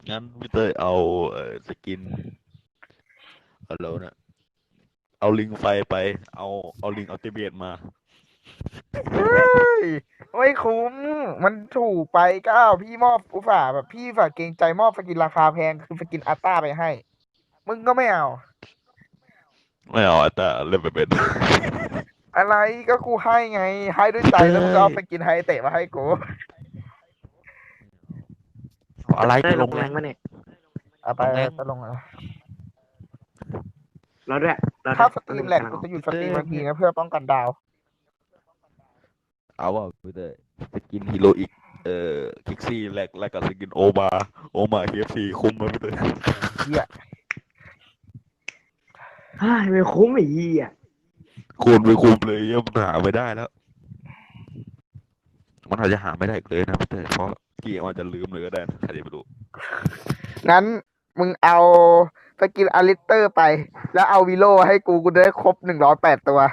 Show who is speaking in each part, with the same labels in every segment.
Speaker 1: งั้นพี่เต้ยเอาสกินอะไรวะเนี่ยเอาลิงไฟไปเอาเอาลิงอัลติเมทมา
Speaker 2: เฮ้ยไม่คุ้มมันถูกไปก้าวพี่มอบอุตส่าห์แบบพี่ฝากเกรงใจมอบสกินราคาแพงคือสกินอัลต้าไปให้มึงก็ไม่เอา
Speaker 1: ไม่เอาแต่เล่นไปเป็น
Speaker 2: อะไรก็กูให้ไงให้ด้วยใจ
Speaker 1: พี่เต้
Speaker 2: แล้วมึงก็
Speaker 1: ย
Speaker 2: เอาสกินไฮเตะมาให้กู
Speaker 1: อะไร
Speaker 3: ได้ล
Speaker 1: จะลงแรง
Speaker 3: งแรงมาเนี่ย
Speaker 2: เอาไป
Speaker 1: ลงแรง
Speaker 2: ไปลงอ่ะ
Speaker 3: เราด้วยเราด้
Speaker 2: ถ้า
Speaker 3: วย
Speaker 2: สตรีมแหลก
Speaker 3: กำลังออก
Speaker 2: กูจะหยุด
Speaker 1: พี่เต้ย
Speaker 2: สตรีมทันทีนะเพื่อป้องกันดาว
Speaker 1: เอาว่าพี่เต้ยสกินฮีโร่อีกคิกซี่แลกกับสกินโอมาเคเอฟซีคุ้มไหมพี่เต้ย
Speaker 2: เฮีย
Speaker 3: เฮ้ยไม่คุ้มไอ้เหี้ย
Speaker 1: คูณไปคุ้มเลยยังมันหาไม่ได้แล้วมันอาจจะหาไม่ได้อีกเลยนะพี่เต้ยเพราะเกี่ยวอาจจะลืมเลยก็ได้นะใครจะไปรู้
Speaker 2: งั้นมึงเอาสกินอลิสเตอร์ไปแล้วเอาวิโลให้กูจะได้ครบ108ตัว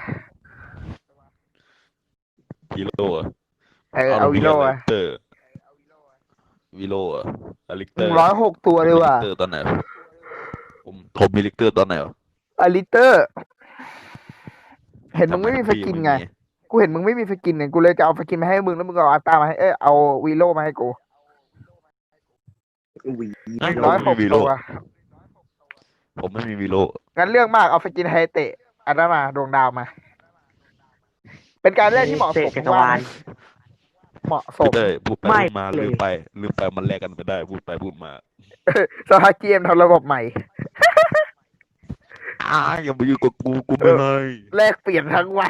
Speaker 1: ฮีโร่อะ
Speaker 2: เอา
Speaker 1: เอา
Speaker 2: วิโล
Speaker 1: อลิ
Speaker 2: อะ
Speaker 1: กเตอร์วิโลอะอลิก
Speaker 2: หนึ่ง
Speaker 1: เตอร์
Speaker 2: ร้อยหกตัว
Speaker 1: ผมมีลิ
Speaker 2: เลยว่ะ
Speaker 1: กเตอร์ตอนไหนวะผมมีลิกเตอร์ตอนไหนวะ
Speaker 2: อลิสเตอร์เห็นมึง
Speaker 1: ทำไม
Speaker 2: ไม่มีส
Speaker 1: พี่
Speaker 2: กินไง
Speaker 1: ไม่มี
Speaker 2: กูเห็นมึงไม่มีสกินเนี่ยกูเลยจะเอาสกินมาให้มึงแล้วมึงก็เอาอัลต้ามาให้เอาวีโลมาให้กู
Speaker 3: หวี
Speaker 1: อ่ะ
Speaker 2: หนึ่ง
Speaker 1: ผม
Speaker 2: ร้อยหก
Speaker 1: ไม่มีวิโล
Speaker 2: ตัว
Speaker 1: ผมไม่มีวิโล
Speaker 2: งั้นเรื่องมากเอาสกินไฮเตะอันนั้นมาดวงดาวมา เป็นการ
Speaker 3: เฮ
Speaker 2: เลือกที่เหมาะ
Speaker 3: เตะ
Speaker 2: สม
Speaker 3: จักรวาล
Speaker 2: มึงว่าไหมเหมาะสม
Speaker 1: พี่เต้ยพูดไป
Speaker 3: ไม่
Speaker 1: พูดมา
Speaker 3: เลย
Speaker 1: ลืมไปมันแลกกันไปได้พูดไปพูดมา
Speaker 2: สหเกมทำระบบใหม่
Speaker 1: อย่ามาอยู่งกับกู
Speaker 2: เออ
Speaker 1: ไม่ให้
Speaker 2: แลกเปลี่ยนทั้งวัน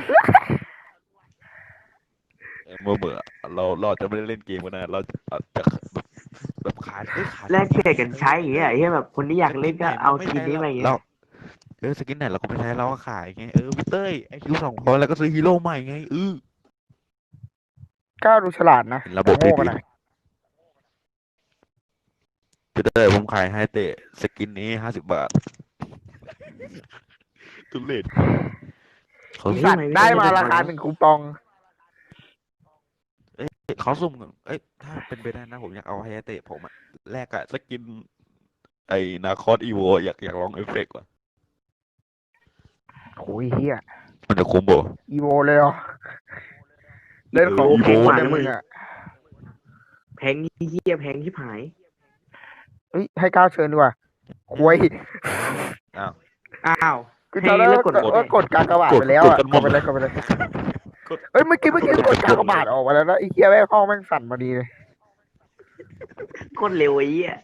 Speaker 1: เมื่อเราจะไม่ได้เล่นเกมกันนะเราจะแบบขายขาย
Speaker 3: แล
Speaker 1: สกิน
Speaker 3: กเปลี่ยนกันใช้อย่างเงี้ยไอ้เหี้ยแบบคนที่อยากเล่น
Speaker 1: สกินไหน
Speaker 3: ก็เอา
Speaker 1: เราไม่ใช้
Speaker 3: สกินนี้มาอย่างเงี้ย
Speaker 1: เราสกินไหนเราก็ไม่ใช้เราก็ขายไงพี่เต้ยไอคิว 200แล้วก็ซื้อฮีโร่ใหม่ไง
Speaker 2: ก้าวดูฉลาดนะ
Speaker 1: เห็นระบ
Speaker 2: แต่
Speaker 1: บดี
Speaker 2: โง่กันหน่อย
Speaker 1: ๆพี่เต้ยผมขายให้เตะสกินนี้50 บาททุเรศเขา
Speaker 2: อี
Speaker 3: เฮ้ย
Speaker 2: สัตว์ได้
Speaker 3: ทำไมไม่
Speaker 2: มา
Speaker 3: ได้
Speaker 2: ราคา
Speaker 3: ทำวะ
Speaker 2: 1 คูปอง
Speaker 1: เขาสุ่มกันถ้าเป็นไปได้นะผมอยากเอาให้เตะผมอะแลกอะสกินไอ้นาคอสอีโวอยากลองเอฟเฟกต์ว่ะ
Speaker 2: โอ้ยเฮีย
Speaker 1: มันจะคุ้มบ่
Speaker 2: อีโวเลยเหรอเล่นของ
Speaker 1: อีโว
Speaker 2: แพงกว่า
Speaker 1: เล
Speaker 2: เนี่ยมึง
Speaker 1: ย
Speaker 2: อ่ะ
Speaker 3: แพงเหี้ยแพงที่ผาย
Speaker 2: เฮ้ยให้ก้าวเชิญดีกว่าควย
Speaker 1: อ้าว
Speaker 3: อ้าว
Speaker 2: คือ
Speaker 3: ให้
Speaker 2: ตอนแรก
Speaker 3: เลิกกด
Speaker 2: ก็กดกากบาท
Speaker 1: กด
Speaker 2: ไปแล้วอ่ะ
Speaker 1: กดกันหมด
Speaker 2: กดไปเลยกดไปเลย
Speaker 1: กด
Speaker 2: เอ้ยเมื่อกี้กดกากบาทออกมาแล้วนะไอ้เฮียแม่งห้องแม่งสั่นพอดีเลย
Speaker 3: กดเร็วไอ้เหี้ย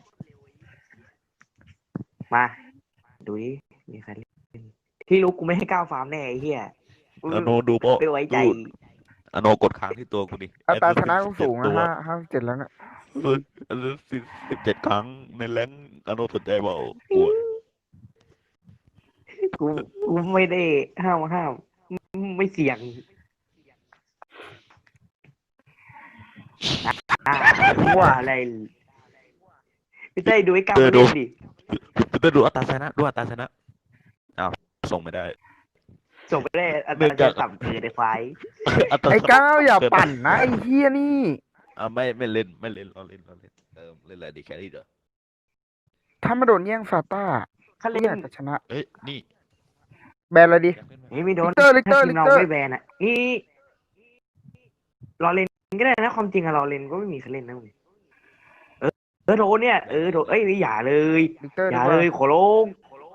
Speaker 3: มาดูดิมีใครเล่นที่รู้กูไม่ให้ก้าวฟาร์มแน่ไอ้เหี้ยกู
Speaker 1: อโนดูโปะ
Speaker 3: ไม่ไว้ใจ
Speaker 1: ดูอโนกดค้างที่ตัวกูดิ
Speaker 2: อัตราชนะกูสูงนะ
Speaker 1: ตัว
Speaker 2: 57แล้วเนี่ย
Speaker 1: เออ17 ครั้งในแรงค์อโนสนใจเปล่ากูอะ
Speaker 3: กูกูไม่ได้ห้ามไม่เสี่ยงอ่าว่าอะไรพี่เต้ยดูไอ้ก้าวมา
Speaker 1: ดู
Speaker 3: เล่นดิ
Speaker 1: ดูอัตราชนะอ้าวส่งไม่ได้
Speaker 3: ส่งไปได้อัต
Speaker 1: เนื่องจาก
Speaker 3: ราจะต่ำเกินไอ้ควาย
Speaker 1: อัตรา
Speaker 2: ไอ้ก้าวอย่า
Speaker 1: เกิน
Speaker 2: ปั่นนะไอ้เฮียนี่
Speaker 1: ไม่เล่นเราเล่นเล่นอะไรดีแครี่เด้อ
Speaker 2: ถ้ามาโดนแย่งซาต้า
Speaker 3: เขาเล่น
Speaker 2: เนี่ยจะชนะ
Speaker 1: นี่
Speaker 2: แบนเลยดิ
Speaker 1: อยากเล่นไหม
Speaker 3: เฮ้ยไม่โดน
Speaker 2: ลิกเตอ
Speaker 3: ถ้า
Speaker 2: ร์
Speaker 3: ทีมเรา
Speaker 2: ลิกเตอร์
Speaker 3: ไม่แบนอ่ะนี่เราเล่นก็ได้นะความจริงอะเราเล่นก็ไม่มีใครเล่นนะมึงโดนเนี่ยโดนเอ้ยอย่าเลย
Speaker 2: ลิกเตอร์
Speaker 3: อย่า
Speaker 2: ดีกว่า
Speaker 3: เลยขอร้อง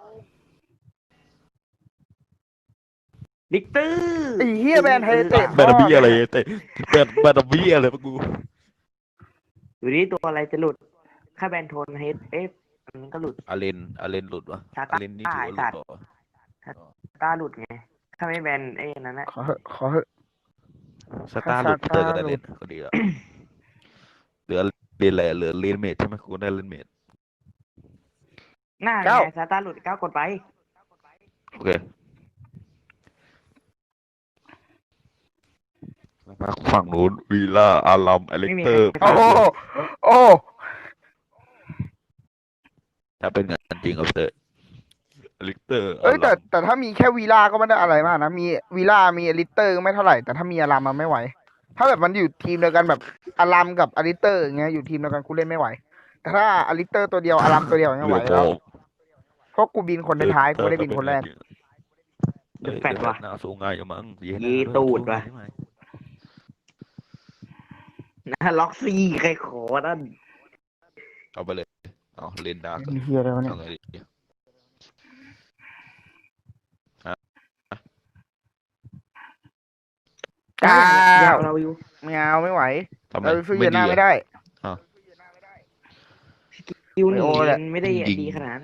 Speaker 3: ลิกเตอร์
Speaker 2: ไอ้เฮียแบนไฮเตะ
Speaker 1: แบนบี้อะไรเตะแบนบี้อะไรปะกู
Speaker 3: อยู่นี่ตัวอะไรจะหลุดค่าแบนโทนเฮดอันนั้นก็หลุด
Speaker 1: อาเลนหลุดวะ
Speaker 3: ซาต้า
Speaker 1: อาเลนนี่ถือว่าหลุด
Speaker 3: ไอ้สัตว์
Speaker 1: เปล่าวะ
Speaker 3: ตาหลุดไงถ้าไม่แบนไอ้นั้นนะ
Speaker 2: ขอเหอะ
Speaker 1: สตาร์หลุดพีเตอร์ก็ได้เล่นก็ดีแล้วเหลือเลนอะไรเหลือเลนเมดใช่ไหมกูได้เลนเมด
Speaker 3: หน้าไงซาต้าหลุดก้าวกดไป
Speaker 1: โอเคมาฝั่งนู้นวีล่าอารัมอเล็กเตอร์
Speaker 2: โอ้โหโอ้
Speaker 1: ถ้าเป็นงานจริงเอาเตอร์อเล็กเตอร์อา
Speaker 2: เอ้ยแต่
Speaker 1: รัม
Speaker 2: แต่ถ้ามีแค่วีล่าก็ไม่ได้อะไรมากนะมีวีล่ามีอลิสเตอร์ก็ไม่เท่าไหร่แต่ถ้ามีอารามมันไม่ไหวถ้าแบบมันอยู่ทีมเดียวกันแบบอารามกับอลิสเตอร์อย่างเงี้ยอยู่ทีมเดียวกันกูเล่นไม่ไหวแต่ถ้าอลิสเตอร์ตัวเดียวอารัมตัวเดียวยัง
Speaker 1: เห
Speaker 2: ไห
Speaker 1: ลื
Speaker 2: ว
Speaker 1: อพ
Speaker 2: แล้
Speaker 1: อ
Speaker 2: วเพราะกูบินคนท้ายๆกูไม่ได้บินคนแรก
Speaker 3: เดี๋ยวแฟด
Speaker 1: เดี๋ยว
Speaker 3: ว่ะ
Speaker 1: หน้าสูงง่ายอยู่มั้งเย็น
Speaker 3: ยีตูดว่ะ นะล็อกซี่ใครขอนั่น
Speaker 1: เอาไปเลยเอาเล่นดาร์ก
Speaker 2: เฮียอะไรวะเนี่ย
Speaker 1: เอาไงดี
Speaker 2: กล้า
Speaker 3: อยาวเราอยู่
Speaker 2: ไม่เอาไม่ไหว
Speaker 1: ทำไม
Speaker 2: เราสู้
Speaker 1: ไม่
Speaker 2: เย
Speaker 1: ดี
Speaker 2: น่า
Speaker 1: อะ
Speaker 2: ไม่ได้
Speaker 3: คิวหนี
Speaker 2: ไอโอแหละ
Speaker 3: มันไม่ได้
Speaker 1: ยิง
Speaker 3: ดีขนาดนั้น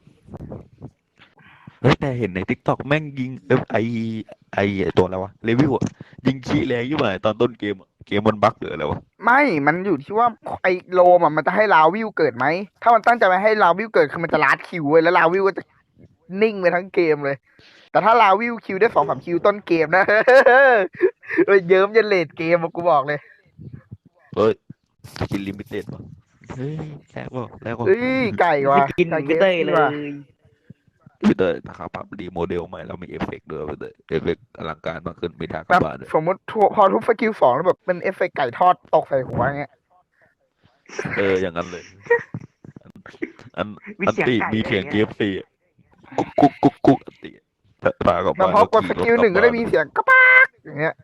Speaker 1: เฮ้ยแต่เห็นในทิกตอกแม่งยิงไอตัวอะไรวะเลวิวอะยิงขี้แรงยิ่งกว่าตอนต้นเกมอะเกมมันบั๊กหรืออะไรวะ
Speaker 2: ไม่มันอยู่ที่ว่าไอโลมอ่ะมันจะให้ลาวิวเกิดไหมถ้ามันตั้งใจไปให้ลาวิวเกิดคือมันจะลาดคิวเว้ยแล้วลาวิวก็จะนิ่งไปทั้งเกมเลย แต่ถ้าลาวิวคิวได้2-3คิวต้นเกมนะ เฮ้ยเยิ้มยันเลดเกมอะกูบอกเลย
Speaker 1: เฮ้ยสกินลิมิเต็ดวะเฮ้ยแล้วก็
Speaker 2: เฮ้ยไก่
Speaker 3: ไม่
Speaker 2: ว่ะ
Speaker 3: กิน
Speaker 2: ไก่
Speaker 3: ไม่เต้ยเลย
Speaker 2: ว่ะ
Speaker 1: พี่เตอร์นะครับปรับดีโมเดลใหม่แล้วมีเอฟเฟกต์ด้วยพี่เตอร์เอฟเฟกต์อลังการมากขึ้นมีทางก
Speaker 2: แบ
Speaker 1: ลั
Speaker 2: บบ
Speaker 1: บ้านด้วย
Speaker 2: สมมติพอทุบสกิล2แล้วแบบเป็นเอฟเฟกต์ไก่ทอดตกใส่หัวอย่างเงี้ย
Speaker 1: อย่างนั้นเลย อัน
Speaker 3: มี
Speaker 1: อัน
Speaker 3: เสียง
Speaker 1: ติ
Speaker 3: ไก่
Speaker 1: มีเสียง
Speaker 3: อะไร
Speaker 1: เก
Speaker 3: เงี้ย
Speaker 1: ฟซีกุ๊กอันติพากลับ
Speaker 2: แล้ว
Speaker 1: บ้าน
Speaker 2: พอกดสกิล 1ก็ได้มีเสียงกระป๊ากอย่างเงี้ย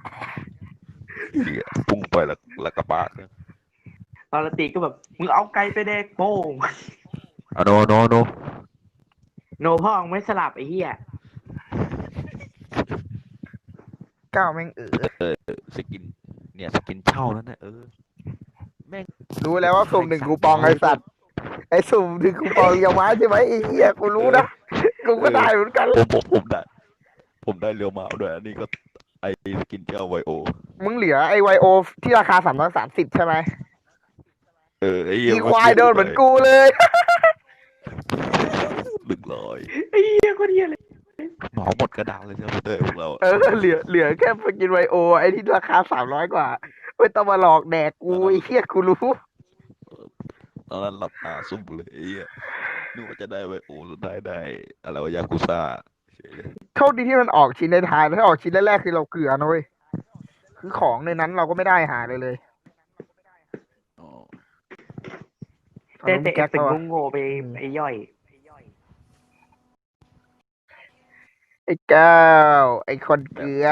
Speaker 1: พุ่งไปแล้วกระปากเนี่ย
Speaker 3: ตอนละตีก็แบบมึงเอาไก่ไปแดกโป้ง
Speaker 1: โน
Speaker 3: โนพ่อมึงไม่สลับไอ้เหี้ย
Speaker 2: ก้าวแม่ง
Speaker 1: สกินเนี่ยสกินเช่านั่นนะแม่ง
Speaker 2: รู้แล้วว่าสุ่ม1คูปองไอสัตว์ไอสุ่ม1คูปองยามาใช่ไหมไอ้เหี้ยกูรู้นะกูก็ได้เหมือนกัน
Speaker 1: ผมได้เรียวมาด้วยอันนี้ก็ไอสกินเจ้าไวโอ
Speaker 2: มึงเหลือไอไวโอที่ราคา330ใช่ไหม
Speaker 1: ไอ้
Speaker 2: อีควายโดนเหมือนกูเลย
Speaker 1: 100
Speaker 3: ไอ้เหี้ยคนเหี้ยเลย
Speaker 1: หมอหมดกระดานเลยใช่ไหมเต้ยพวกเรา
Speaker 2: เหลือแค่สกินไวโอไอที่ราคา300กว่าไม่ต้องมาหลอกแดกกูไอ้เหี้ยกูรู้
Speaker 1: ตอนนั้นหลับตาซุ่มเลยไอ้เหี้ยนึกว่าจะได้ไวโอสุดท้ายได้อะไรวะยากุซ่าเฉยเลย
Speaker 2: โชคดีที่มันออกชิ้นในท้ายถ้าออกชิ้นแรกๆคือเราเกลือนะเว้ยคือของในนั้นเราก็ไม่ได้หาเลย
Speaker 1: อ๋อ
Speaker 3: แต่เอฟเฟก
Speaker 2: ก็
Speaker 3: ต์โง่ๆไปไอ้ย่อย
Speaker 2: ไอ้แก้วไอ้คนเกลือ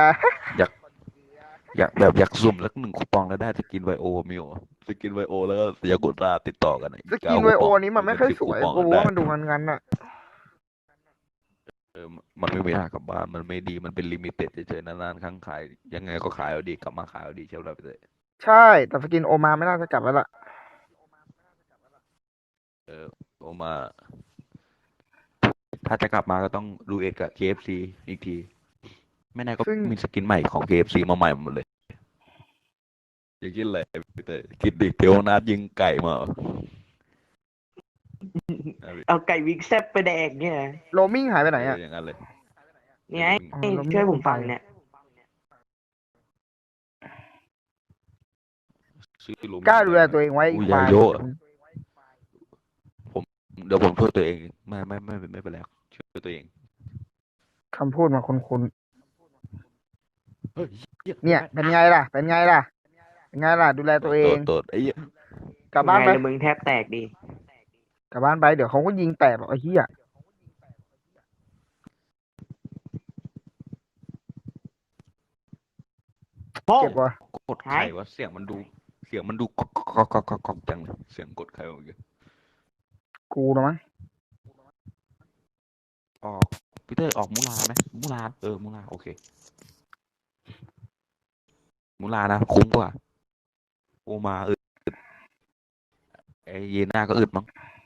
Speaker 1: อยากซุ่มสัก1คูปองแล้วได้สกินไวโอมิวสกินไวโอแล้วก็ยากุซ่าติดต่อกัน
Speaker 2: สกินไวโอนี้มันไม่ค่อยสวยกูว่ามันดูงั้นๆอะ
Speaker 1: มันไม่มีทางกลับบ้านมันไม่ดีมันเป็นลิมิเต็ดเฉยๆนานๆครั้งขายยังไงก็ขายเอาดีกลับมาขายเอาดีเช่าเราไปเลย
Speaker 2: ใช่แต่สกินโอมาไม่น่าจะกลับแล้วล่ะ
Speaker 1: โอมา ถ้าจะกลับมาก็ต้องดูเอ็ดกับ KFC อีกที ไม่แน่ก็มีสกินใหม่ของ KFC มาใหม่หมดเลยอย่าคิดเลยพี่เตยคิดดิเดี๋ยวนัดยิงไก่มา
Speaker 3: เอาไก่วิกแซบไปแดกเนี่ย
Speaker 2: โรมิ่งหายไปไหนอะ
Speaker 1: อย่างนั้นเลย
Speaker 3: เนี่ย
Speaker 2: อ๋อเราไม่
Speaker 3: ช่วยผมฟังเนี่ย
Speaker 1: ซื้อลูมิ
Speaker 2: กล้าดูแลตัวเองไว้
Speaker 1: อุ้
Speaker 2: อี
Speaker 1: ย
Speaker 2: กฝ่าย
Speaker 1: ยาโยะ เดี๋ยวผมช่วยตัวเองไม่เป็นไรช่วยตัวเอง
Speaker 2: คำพูดมาคุ้น
Speaker 1: เฮ้ย
Speaker 2: ๆเนี่ยเป็นไงล่ะ เป็นไงล่ะ ดูแลตัวเอง
Speaker 1: โดดไอ้เหี้ย
Speaker 2: กลับบ้านไป
Speaker 3: ไงล่ะมึงแทบแตกดิ
Speaker 2: กลับบ้านไปเดี๋ยวเขาก็ยิงแตกหรอกไอ้เหี้ย
Speaker 3: โป้ง
Speaker 2: เจ็บว่ะ
Speaker 1: กดไข่วะเสียงมันดูก๊อกจังเลยเสียงกดไข่เมื่อกี้
Speaker 2: กูนะมั้ง
Speaker 1: ออกพีเตอร์ออกมูลาไหมมูลามูลาโอเคมูลานะคุ้มกว่าโอมาไอเยน่าก็อึดมั้ง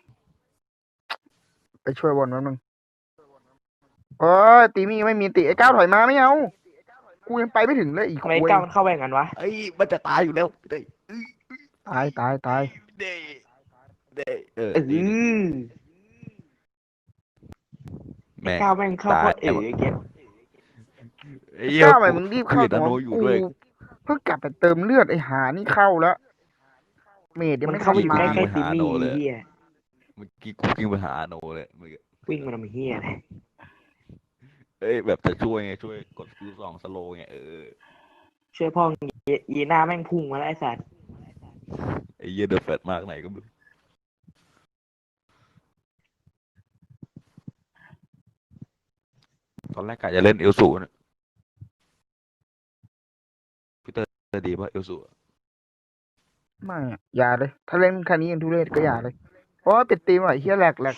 Speaker 2: ไปช่วยบอลแป๊บนึงเอ้ยตีมีไม่มีตีไอ้ก้าวถอยมาไม่เอากูยังไปไม่ถึงเลยอีก
Speaker 3: ทำไม
Speaker 2: คุย
Speaker 3: ก้าวมันเข้าไปอย่างนั้นวะ
Speaker 1: ไอ้มันจะตายอยู่แล้วพีเตอร์
Speaker 2: ตาย
Speaker 1: เด้ดี แม่
Speaker 3: ก้าวแม่งเข้าโคตรไอ้เก็บ
Speaker 1: ไอ้เหี้ย
Speaker 2: ก้าวไปมึงรีบเข้า
Speaker 1: นาโนอยู่ด้วย
Speaker 2: เพิ่งกลับไปเติมเลือดไอ้หานี่เข้าแล้วเมดยัง
Speaker 3: มัน
Speaker 2: ไม่
Speaker 3: เข้าไป
Speaker 2: ทัน
Speaker 3: อยู่
Speaker 2: มา
Speaker 3: ใกล้ๆติมมี่เฮีย
Speaker 1: เมื่อกี้กูกิ้งไปหาโนเลยเมื่อกี้
Speaker 3: วิ่งมาทำเฮียเลย
Speaker 1: แบบจะช่วยไงช่วยกดคิว2สโลไง
Speaker 3: ช่วยพ่อยีหน้าแม่งพุ่งมาแล้วไอ้สัตว์
Speaker 1: ไอ้เหี้ยเดอะแฟตมากไหนก็ไม่รู้ตอนแรกกะจะเล่นเอลสูนะพี่เตอร์ดีป่ะเอลสู
Speaker 2: ไม่อะอย่าเลย ถ้าเล่นคันนี้ยังทุเรศก็อย่าเลย เพราะว่าปิดตีมอ่ะเฮียแหลก